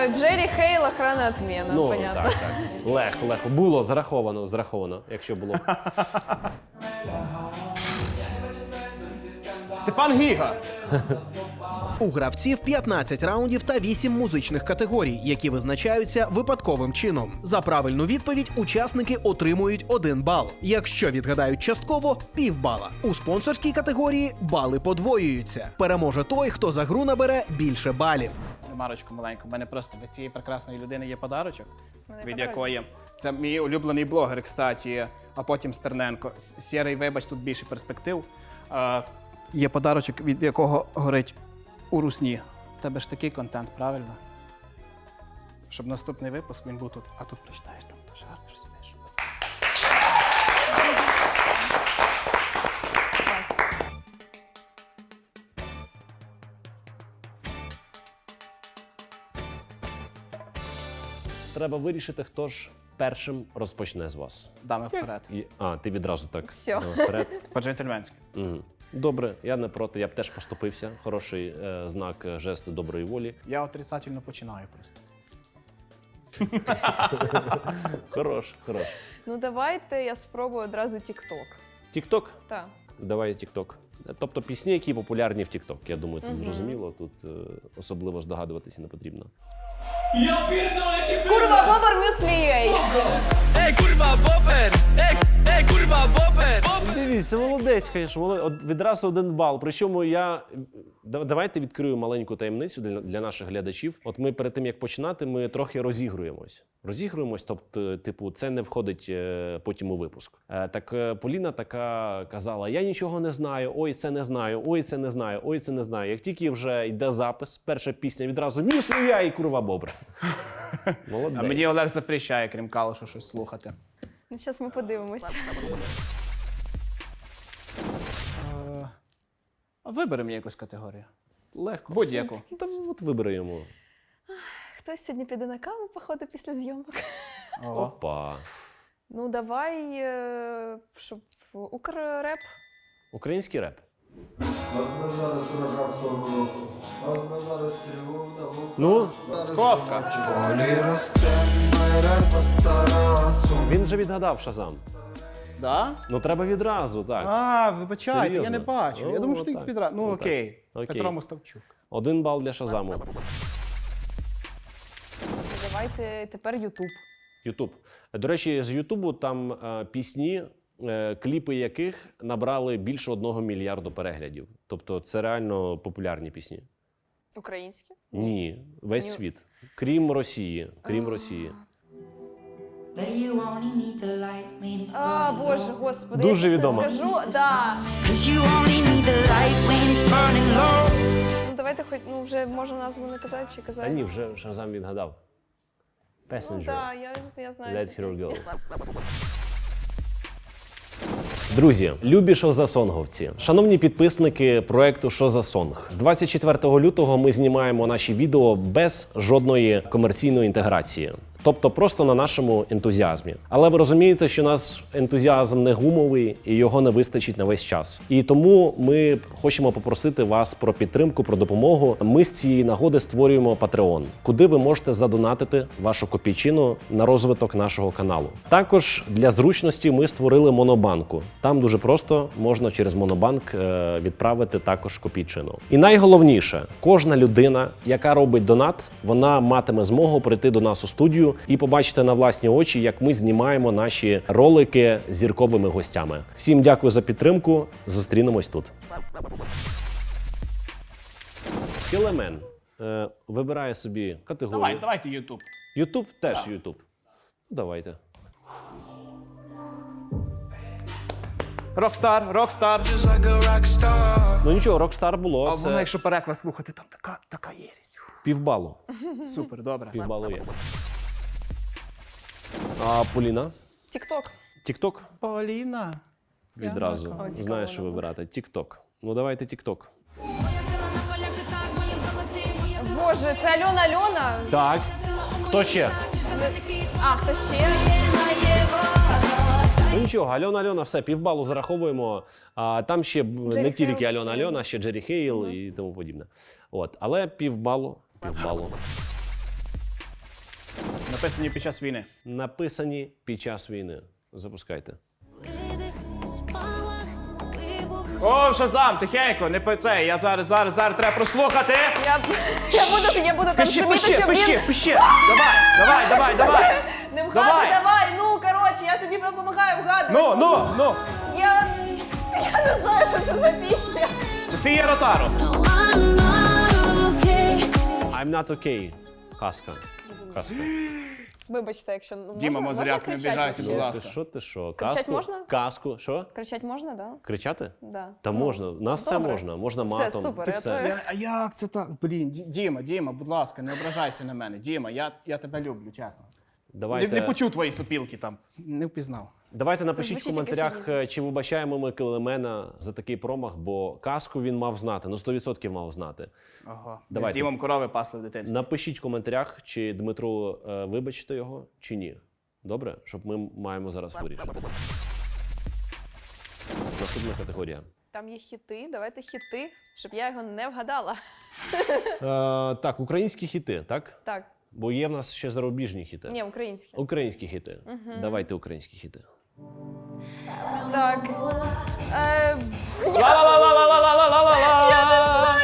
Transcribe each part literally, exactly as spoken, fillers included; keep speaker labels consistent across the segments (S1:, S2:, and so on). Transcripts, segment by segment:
S1: Джері Хейл, охрана отмена,
S2: Ну,
S1: понятно.
S2: так, так. Легко, легко. Було зараховано, зараховано, якщо було.
S3: Степан Гіга.
S4: У гравців п'ятнадцять раундів та вісім музичних категорій, які визначаються випадковим чином. За правильну відповідь учасники отримують один бал. Якщо відгадають частково – півбала. У спонсорській категорії бали подвоюються. Переможе той, хто за гру набере більше балів.
S3: Марочку маленьку, у мене просто від цієї прекрасної людини є подарочок,
S1: Мене
S3: від
S1: подарунок.
S3: якої... Це мій улюблений блогер, кстати, а потім Стерненко. С- Сірий, вибач, тут більше перспектив. А, є подарочок, від якого горить у русні. У тебе ж такий контент, правильно? Щоб наступний випуск він був тут, а тут прочитаєш, там дуже гарно щось пише.
S1: Клас.
S2: Треба вирішити, хто ж першим розпочне з вас.
S3: Дами вперед.
S2: І- А, ти відразу так.
S1: Всьо.
S2: ну, Вперед.
S3: По-джентльменськи.
S2: Мгм. Добре, я не проти, я б теж поступився. Хороший е, знак, е, жест доброї волі.
S3: Я отрицательно починаю просто.
S2: Хорош, хорош.
S1: Ну давайте я спробую одразу TikTok.
S2: Тік-ток?
S1: Так.
S2: Давай тік-ток. Тобто пісні, які популярні в тік-ток. Я думаю, тут
S1: Мгм.
S2: зрозуміло, тут е, особливо здогадуватися не потрібно.
S1: Курва, бобер, мюслі!
S5: Ей, курва, бобер! Ей, ей, курва, бобер!
S2: Дивіться, молодець, звісно, молодець. От відразу один бал. Причому я да- давайте відкрию маленьку таємницю для, для наших глядачів. От ми перед тим як починати, ми трохи розігруємось. Розігруємось, тобто, типу, це не входить е, потім у випуск. Е, так е, Поліна така казала: я нічого не знаю, ой, це не знаю, ой, це не знаю, ой, це не знаю. Як тільки вже йде запис, перша пісня відразу мюслі я і курва бобр. Молодець.
S3: А мені Олег запрещає, крім калушу, щось слухати.
S1: Ну, зараз ми подивимося.
S3: Е, а Вибери мені якусь категорію.
S2: легко.
S3: Будь-яку.
S2: Та от виберемо.
S1: Хтось сьогодні піде на каву, походу, після зйомок.
S3: Ого.
S2: Опа.
S1: Ну, давай, е, щоб укрреп.
S2: Український реп.
S6: От ми зараз раптом року, от ми зараз стрілу на луку.
S2: Ну,
S3: Сковка.
S6: Полі росте, мережа стара сум.
S2: Він же відгадав Шазам.
S3: Да?
S2: Ну треба відразу, так.
S3: А, вибачайте, я
S2: Серйозно?
S3: не бачу. Я
S2: О,
S3: думав, що ти
S2: так.
S3: відразу. Ну,
S2: Ну,
S3: окей.
S2: Окей.
S3: Петро Муставчук.
S2: Один бал для Шазаму.
S1: Давайте тепер Ютуб.
S2: Ютуб. До речі, з Ютубу там е, пісні, е, кліпи яких набрали більше одного мільярду переглядів. Тобто це реально популярні пісні.
S1: Українські?
S2: Ні, весь
S1: Ні.
S2: світ. Крім Росії. Крім Росії.
S7: That you only need the light when it's
S1: А,
S7: burning
S1: боже,
S7: low.
S1: господи,
S2: Дуже
S1: я просто
S2: відомо.
S1: скажу. Да.
S7: Cause you only need the light when it's burning low.
S1: Ну, давайте хоч, ну, вже можна назву не казати чи
S2: Та
S1: казати.
S2: ні, вже Шазам відгадав.
S1: Ну,
S2: Passenger.
S1: да, я, я знаю.
S2: Let
S1: цю
S2: her
S1: пісню.
S2: go. Друзі, любі шозасонговці, шановні підписники проекту «Що за сонг». З двадцять четвертого лютого ми знімаємо наші відео без жодної комерційної інтеграції. Тобто просто на нашому ентузіазмі. Але ви розумієте, що наш ентузіазм не гумовий і його не вистачить на весь час. І тому ми хочемо попросити вас про підтримку, про допомогу. Ми з цієї нагоди створюємо Patreon, куди ви можете задонатити вашу копійчину на розвиток нашого каналу. Також для зручності ми створили монобанку. Там дуже просто можна через монобанк е, відправити також копійчину. І найголовніше, кожна людина, яка робить донат, вона матиме змогу прийти до нас у студію і побачити на власні очі, як ми знімаємо наші ролики з зірковими гостями. Всім дякую за підтримку. Зустрінемось тут. Кілемен е, вибирає собі категорію.
S3: Давай, давайте Ютуб.
S2: Ютуб теж Ютуб. Давайте.
S3: Рокстар, Рокстар.
S2: Ну нічого, Рокстар було.
S3: А
S2: Це
S3: воно, якщо переклад слухати, там така, така єрість.
S2: півбалу.
S3: Супер, добре.
S2: Півбалу є. А Поліна?
S1: Тік-ток.
S2: Тік-ток?
S3: Поліна.
S2: Відразу.
S1: О, цікаво,
S2: Знаєш, що
S1: ну.
S2: вибирати. Тік-ток. Ну давайте Тік-ток.
S1: Боже, це Альона Альона?
S2: Так. Хто ще?
S1: А, хто ще?
S2: Ну нічого, Альона Альона, все, півбалу зараховуємо. А там ще б не
S1: Джері
S2: тільки
S1: Хейл.
S2: Альона Альона, ще Джері Хейл і тому подібне. От, але півбалу, півбалу.
S3: Написані під час війни.
S2: Написані під час війни. Запускайте.
S3: О, Шазам, тихенько, не пи- це, я зараз, зараз, зараз треба прослухати.
S1: Я, я буду, я буду там
S3: Пиши,
S1: шуміти,
S3: пиши,
S1: щоб
S3: пиши,
S1: він...
S3: пиши. Давай, давай, давай, давай.
S1: Не вгадуй,
S3: Давай.
S1: давай, ну, коротше, я тобі допомагаю вгадувати.
S3: Ну, ну, ну.
S1: Я, я не знаю, що це за пісня.
S3: Софія Ротаро.
S2: I'm not okay. Казка. Казка.
S1: Вибачте, якщо... Ну,
S3: Діма
S1: можна,
S3: Мозоряк,
S1: можна
S3: не
S1: кричати
S3: обіжайся,
S1: ще?
S3: будь
S2: Ти
S3: ласка.
S2: що, ти що?
S1: Кричать
S2: Казку?
S1: можна?
S2: Казку, що?
S1: Кричать можна, да?
S2: Кричати?
S1: Да.
S2: Та
S1: Ну,
S2: можна. У нас все
S1: добре.
S2: можна. Можна
S1: Все,
S2: матом.
S1: супер,
S2: Ти
S1: я
S2: все.
S1: твоя.
S3: Я- А як це так? Блін, Ді- Діма, Діма, будь ласка, не ображайся на мене. Діма, я, я тебе люблю, чесно.
S2: Давайте,
S3: Не, не почув твої сопілки там. Не впізнав.
S2: давайте напишіть в
S1: звучить як
S2: коментарях,
S1: ефемізм.
S2: е, чи вибачаємо ми Келемена за такий промах, бо казку він мав знати. Ну, сто відсотків мав знати.
S3: Ага. Ми з
S2: Давайте.
S3: Дімом корови пасли в дитинстві.
S2: Напишіть в коментарях, чи Дмитру е, вибачите його, чи ні. Добре? Щоб ми маємо зараз вирішити. Наступна категорія.
S1: Там є хіти, давайте хіти, щоб я його не вгадала.
S2: Е, так, українські хіти, так?
S1: Так,
S2: Бо є в нас ще зарубіжні хіти.
S1: ні, українські.
S2: Українські хіти. Давайте українські хіти.
S1: Так. Е,
S3: Ла-ла-ла-ла-ла-ла-ла-ла-ла!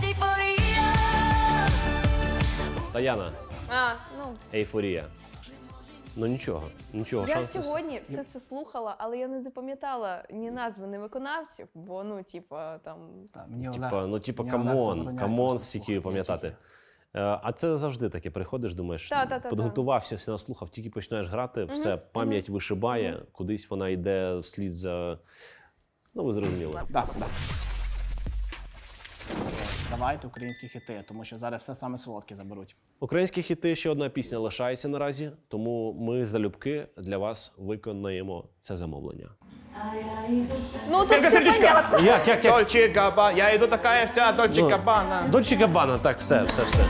S2: Таяна,
S1: а, ну,
S2: ейфорія. Ну нічого, нічого.
S1: я
S2: шанси-
S1: сьогодні все це слухала, але я не запам'ятала ні назви, ні виконавців, бо, ну, типа, там...
S3: Та, мені Олег-
S2: Типа, ну, типа,
S3: мені Олег
S2: камон,
S3: забороняє
S2: камон,
S3: просто
S2: стільки
S3: слухати.
S2: пам'ятати. Е, А це завжди таке. Приходиш, думаєш,
S1: Та-та-та-та.
S2: підготувався, все наслухав, тільки починаєш грати, все, пам'ять вишибає, кудись вона йде вслід за. Ну, ви зрозуміли.
S3: Так, так. Давайте українські хіти, тому що зараз все саме солодке заберуть.
S2: Українські хіти, ще одна пісня лишається наразі, тому ми залюбки для вас виконаємо це замовлення.
S1: Ну, тут
S3: Тільки
S1: все
S3: сердечко!
S1: понятно.
S2: Як, як, як?
S3: Дольче Габана, я йду така вся, Дольче
S2: Ну,
S3: Габана.
S2: Дольче Габбана, так, все, все, все.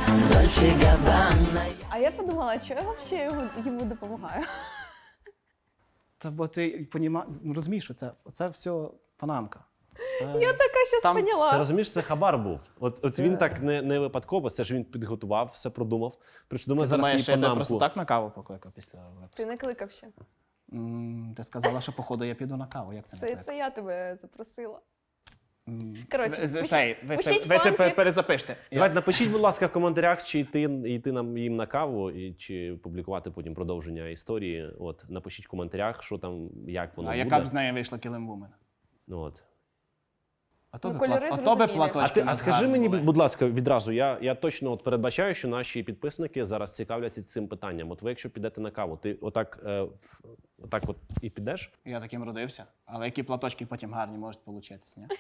S1: А я подумала, що я взагалі йому, йому допомагаю.
S3: Та бо ти поніма... розумієш, що це, це все панамка. Це...
S1: Я така щас
S3: Там-
S1: поняла.
S2: Це розумієш, це хабар був. От, от він так не, не випадково, це ж він підготував, все продумав. Причому думаю,
S3: Ти
S2: зараз
S3: думаєш,
S2: її
S3: що я тебе
S2: панамку.
S3: просто так на каву покликав після випуску?
S1: Ти не кликав ще.
S3: М, Ти сказала, що походу я піду на каву. Як це не
S1: Це,
S3: так?
S1: це я тебе запросила.
S3: М,
S1: Коротше,
S3: ви-
S1: пишіть-
S3: цей, ви, це,
S1: пишіть
S3: ви це
S1: фанфік.
S3: перезапиште.
S2: Давайте напишіть, будь ласка, в коментарях, чи йти, йти нам їм на каву, і чи публікувати потім продовження історії. От напишіть в коментарях, що там, як воно
S3: А
S2: буде.
S3: яка б з неї вийшла Кілим Вумен?
S2: Ну, от.
S3: А то
S1: Ну,
S3: би
S1: кольори
S3: плат- а то би
S1: зрозумілі.
S2: А
S3: платочки
S2: ти,
S3: в
S2: а
S3: нас
S2: скажи
S3: гарні
S2: мені,
S3: були.
S2: будь ласка, відразу. Я, я точно от передбачаю, що наші підписники зараз цікавляться цим питанням. От ви, якщо підете на каву, ти отак, е, в- отак от і підеш?
S3: Я таким родився. Але які платочки потім гарні можуть получитись, ні?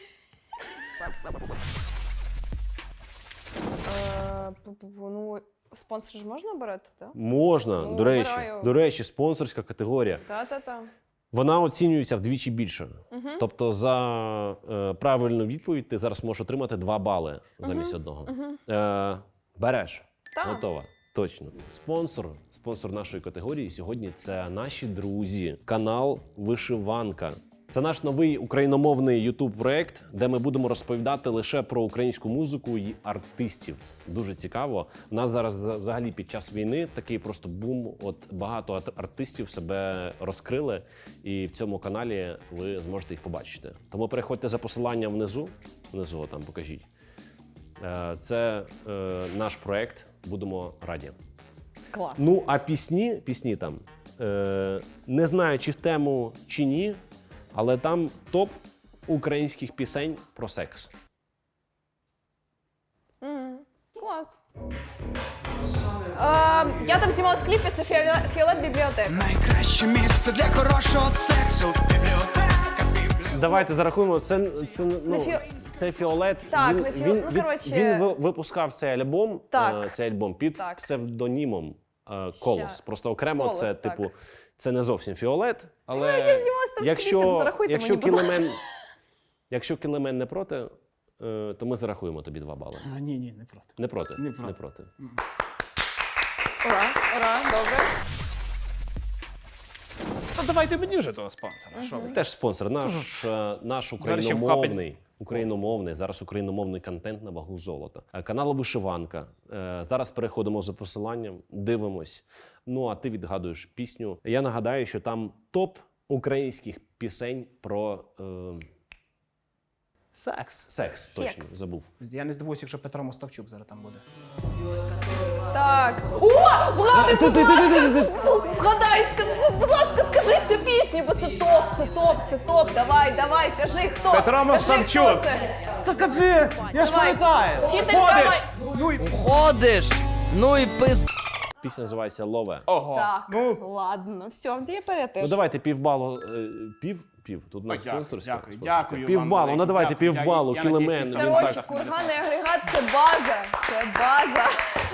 S1: Е, пу-пу-пу, ну, спонсор ж можна обирати, так?
S2: Можна,
S1: Ну,
S2: до речі.
S1: обираю.
S2: До речі, спонсорська категорія.
S1: Та-та-та.
S2: Вона оцінюється вдвічі більше. Тобто за е, правильну відповідь ти зараз можеш отримати два бали замість одного. Е, береш.
S1: Так.
S2: Готова. Точно. Спонсор, спонсор нашої категорії сьогодні це наші друзі. Канал Вишиванка. Це наш новий україномовний YouTube проект, де ми будемо розповідати лише про українську музику і артистів. Дуже цікаво. У нас зараз взагалі під час війни такий просто бум. От багато ат- артистів себе розкрили, і в цьому каналі ви зможете їх побачити. Тому переходьте за посиланням внизу. Внизу там покажіть. Е, Це е, наш проект. Будемо раді.
S1: Клас.
S2: Ну, а пісні, пісні там, е, не знаю, чи в тему, чи ні, але там топ українських пісень про секс.
S1: Мгм. Клас. Е, я там знімалась в кліпі, це Фіолет, Фіолет бібліотека.
S8: Найкраще місце для хорошого сексу. Бібліотека, бібліотека.
S2: Давайте зарахуємо, це, це, ну,
S1: Не фіо-
S2: це Фіолет.
S1: Так,
S2: він,
S1: не фіо-
S2: він,
S1: ну,
S2: він-
S1: коротше-
S2: він ви- випускав цей альбом,
S1: Так.
S2: е, цей альбом під
S1: Так.
S2: псевдонімом е, Колос.
S1: Ща.
S2: Просто окремо
S1: Колос,
S2: це,
S1: так.
S2: типу, це не зовсім Фіолет, але
S1: я знімалась там в кліпі,
S2: якщо,
S1: зарахуйте
S2: якщо,
S1: мені, будь ласка.
S2: кілемен, якщо кілемен не проти, е, то ми зарахуємо тобі два бали.
S3: А, ні, ні, не проти.
S2: Не проти?
S3: Не проти.
S2: Не проти.
S1: Ура, ура, добре.
S3: Та давайте мені вже того спонсора. Що ви?
S2: Теж спонсор, наш, е, наш
S3: Зараз ще вхопить
S2: україномовний. Україномовний, зараз україномовний контент на вагу золота. Е, Канал Вишиванка. Е, Зараз переходимо за посиланням, дивимось. Ну, а ти відгадуєш пісню. Я нагадаю, що там топ українських пісень про е,
S3: Секс.
S2: секс. Точно, забув.
S3: Я не здивуюся, якщо Петро Мостовчук зараз там буде.
S1: Так. О, вгадай, будь ласка! Вгадай, ска- будь ласка, скажи цю пісню, бо це топ, це топ, це топ. Давай, давай, кажи, хто.
S3: Петро
S1: Кажи,
S3: Мостовчук.
S1: хто це.
S3: Це капець! Я ж
S1: Давай.
S3: пам'ятаю!
S1: Вчителька
S3: Ходиш!
S1: май-
S3: Ну і...
S5: Ходиш, ну і пиз...
S2: Пісня називається «Лове».
S3: Ого!
S1: Так,
S3: Ну,
S1: ладно, все, де я перетиш.
S2: Ну давайте півбалу. е, Пів? Пів. Тут у нас
S3: Ой, дякую,
S2: спонсорська.
S3: дякую,
S2: спонсорська.
S3: дякую
S2: Півбалу,
S3: вам
S2: ну давайте
S3: велике. Дякую.
S2: півбалу,
S3: Я- я
S2: кілемен.
S3: надіюсь, ніхто не
S2: він
S1: Коротше,
S2: так.
S1: курганний агрегат це база, це база.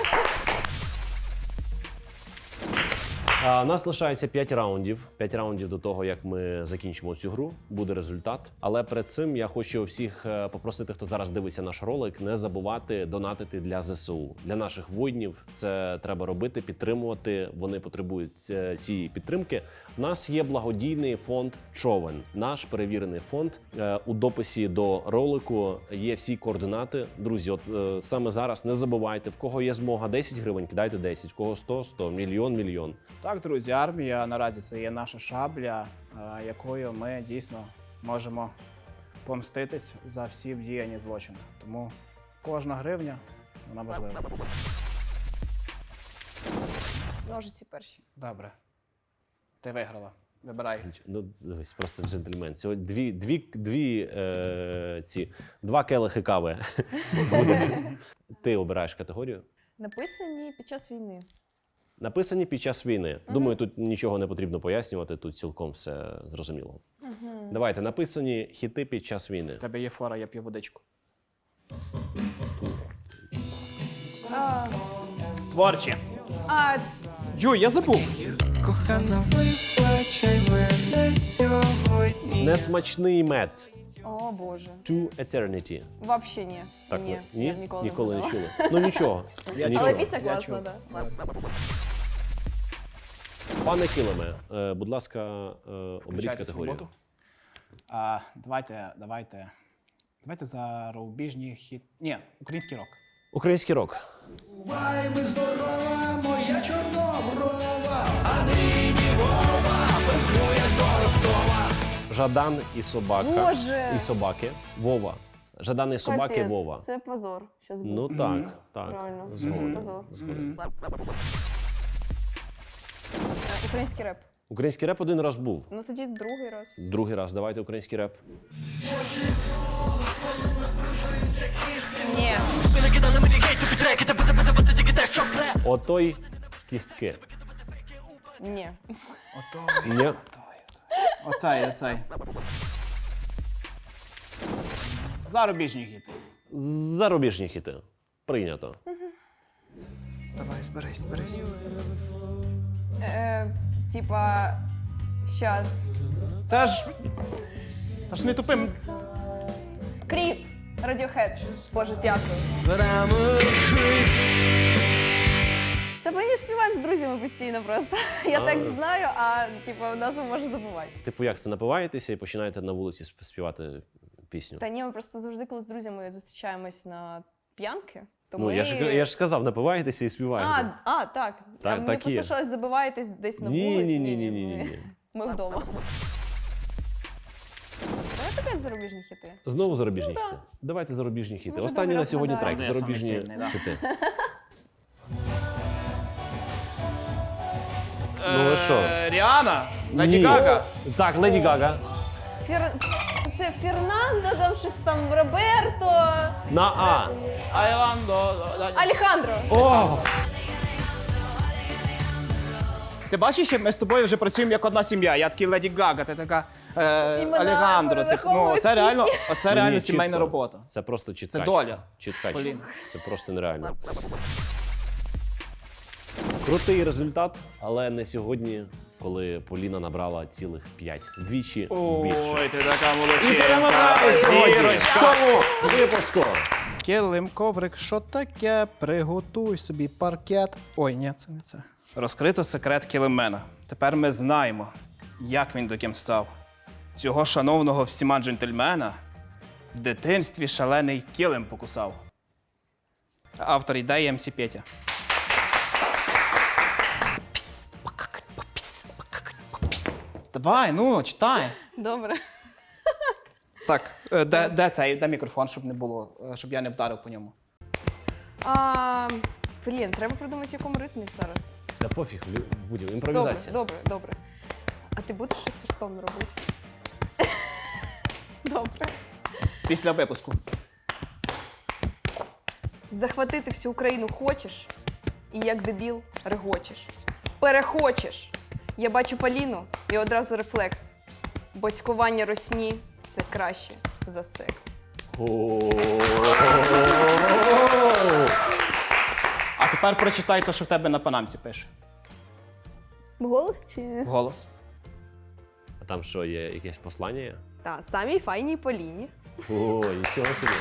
S2: А, у нас лишається п'ять раундів. п'ять раундів до того, як ми закінчимо цю гру. Буде результат. Але перед цим я хочу всіх е, попросити, хто зараз дивиться наш ролик, не забувати донатити для ЗСУ. Для наших воїнів це треба робити, підтримувати. Вони потребують е, цієї підтримки. У нас є благодійний фонд Човен. Наш перевірений фонд. Е, У дописі до ролику є всі координати. Друзі, от е, саме зараз не забувайте, в кого є змога десять гривень, кидайте десять, в кого сто, сто, мільйон, мільйон.
S3: так, друзі, армія наразі це є наша шабля, е, якою ми дійсно можемо помститись за всі вдіяні злочини. Тому кожна гривня, вона важлива.
S1: Ножиці перші.
S3: Добре. Ти виграла. Вибирай.
S2: Ну, дивись, просто джентльмен. Сьогодні дві, дві, дві е, ці, два келихи кави. Буде. Ти обираєш категорію.
S1: Написані під час війни.
S2: Написані під час війни. Думаю, тут нічого не потрібно пояснювати, тут цілком все зрозуміло. Давайте, написані хіти під час війни.
S3: У тебе є фора, я п'ю водичку.
S1: А,
S3: Творчі.
S1: а ц-
S3: Ю, я забув.
S8: Кохана, вибачай мене сьогодні.
S2: Несмачний мед.
S1: О, Боже.
S2: To eternity.
S1: Вообще ні.
S2: Так,
S1: ні,
S2: ні?
S1: я ніколи,
S2: Ніколи не
S1: не
S2: чули.
S1: чула.
S2: Ну нічого.
S3: Я
S2: нічого.
S1: Але пісня
S3: Я
S1: класна,
S3: чув.
S1: так. Ладно.
S2: Пане Килиме, е, будь ласка, е, оберіть
S3: Включайтесь в
S2: категорію.
S3: роботу. А, давайте, давайте. Давайте за рубіжні хіт. Ні, український рок.
S2: Український рок.
S6: Вайми здорова, моя чорноброва, а нині Вова працює до Ростова.
S2: Жадан і собака.
S1: Боже!
S2: І собаки. Вова. Жадан і собаки
S1: Капець,
S2: Вова.
S1: Це позор. Щас
S2: Ну
S1: був.
S2: так, так.
S1: Правильно.
S2: Згоден.
S1: Позор.
S2: Згоден.
S1: Е, Український реп.
S2: Український реп один раз був.
S1: Ну тоді другий раз.
S2: Другий раз давайте український реп.
S1: Ні.
S2: Отой кістки.
S1: Ні.
S2: Ні.
S3: Оцей, оцей. Зарубіжні хіти.
S2: Зарубіжні хіти. Прийнято.
S8: Давай, зберись, зберись.
S1: Е, типа. Щас.
S3: Це ж. Та ж не тупим.
S1: Кріп. Radiohead. Боже, дякую. Та ми співаємо з друзями постійно просто. Я так знаю, а типа назву можу забувати.
S2: Типу, як це напиваєтеся і починаєте на вулиці сп- співати пісню?
S1: Та ні, ми просто завжди, коли з друзями зустрічаємось на п'янки, то
S2: Ну,
S1: ми...
S2: я ж, я ж сказав, напиваєтеся і співаєте.
S1: А, а, так.
S2: Так,
S1: а мені
S2: так і є.
S1: просто щось забиваєтесь десь на
S2: Ні,
S1: вулиці.
S2: ні, ні, ні, ні, ні, ні.
S1: Ми, ми вдома. Давайте опять зарубіжні хіти.
S2: Знову зарубіжні
S1: Ну,
S2: хіти.
S1: да.
S2: Давайте зарубіжні хіти.
S1: Ми вже
S2: Останній
S1: добре
S2: на сьогодні
S1: розгадаємо.
S2: трек.
S3: Я
S2: Зарубіжні
S3: самий сильний, да.
S2: хіти. Ну ви що?
S3: Е, Ріана? Леді
S2: Ні.
S3: Гага?
S2: Так, Леді Гага.
S1: Фер... Це Фернандо, там щось там Роберто,
S2: На А.
S3: Айландо.
S1: Алехандро.
S2: О!
S3: Ти бачиш, що ми з тобою вже працюємо як одна сім'я. Я такий Леді Гага, ти така е,
S1: Імена
S3: Алехандро. Ти, ну,
S1: перераховують
S3: це реально,
S1: пісні.
S3: оце реально
S2: Ні,
S3: сімейна
S2: чітко.
S3: робота.
S2: Це просто чіткач.
S3: доля.
S2: Чіткач.
S3: Блін.
S2: Це просто нереально. Крутий результат, але не сьогодні, коли Поліна набрала цілих п'ять. Вдвічі більше.
S3: Ой, ти така
S2: І
S3: молодчинка.
S2: перемагає сьогодні в
S3: Зірочка.
S2: цьому випуску.
S3: Килим, коврик, що таке? Приготуй собі паркет. Ой, ні, це не це. Розкрито секрет килимена. Тепер ми знаємо, як він таким став. Цього шановного всіма джентльмена В дитинстві шалений килим покусав. Автор ідеї ем сі Петя. Давай, ну, читай.
S1: Добре.
S3: Так, е, де, де цей, де мікрофон, щоб не було, е, щоб я не вдарив по ньому.
S1: А, блін, треба придумати, в якому ритмі зараз.
S2: Та пофіг, лю- будь
S1: Добре,
S2: імпровізація.
S1: добре, добре. А ти будеш щось ртом робити? Добре.
S3: Після випуску.
S1: Захватити всю Україну хочеш і як дебіл регочеш. Перехочеш. Я бачу Поліну і одразу рефлекс. Боцькування росні – це краще за секс.
S3: А тепер прочитай те, що в тебе на панамці пише.
S1: Голос чи?
S3: Голос.
S2: А там що, є якесь послання? є?
S1: Так, самій файній Поліні.
S2: О, нічого собі.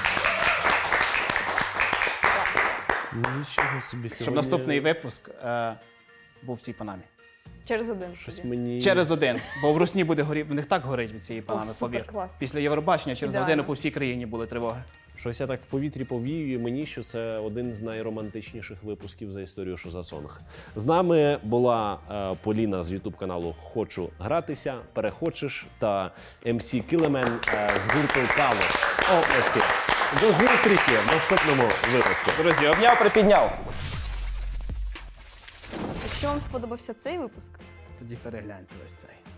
S2: Нічого собі
S3: Щоб
S2: сьогодні.
S3: наступний випуск е, був в цій панамі.
S1: Через один.
S2: Щось
S1: тоді.
S2: мені...
S3: Через один. Бо в Русні буде горіти, в них так горить від цієї панами,
S1: супер,
S3: повір.
S1: клас.
S3: Pісля Євробачення через
S1: Ідеально.
S3: годину по всій країні були тривоги.
S2: Щось я так в повітрі повію мені, що це один з найромантичніших випусків за історію «Що за сонг». З нами була е, Поліна з ютуб-каналу «Хочу гратися», «Перехочеш» та ем сі Кілемен е, з гурту «Калош». Оплески. До зустрічі в наступному випуску.
S3: Друзі, обняв, припідняв.
S1: Якщо вам сподобався цей випуск,
S3: Тоді перегляньте ось цей.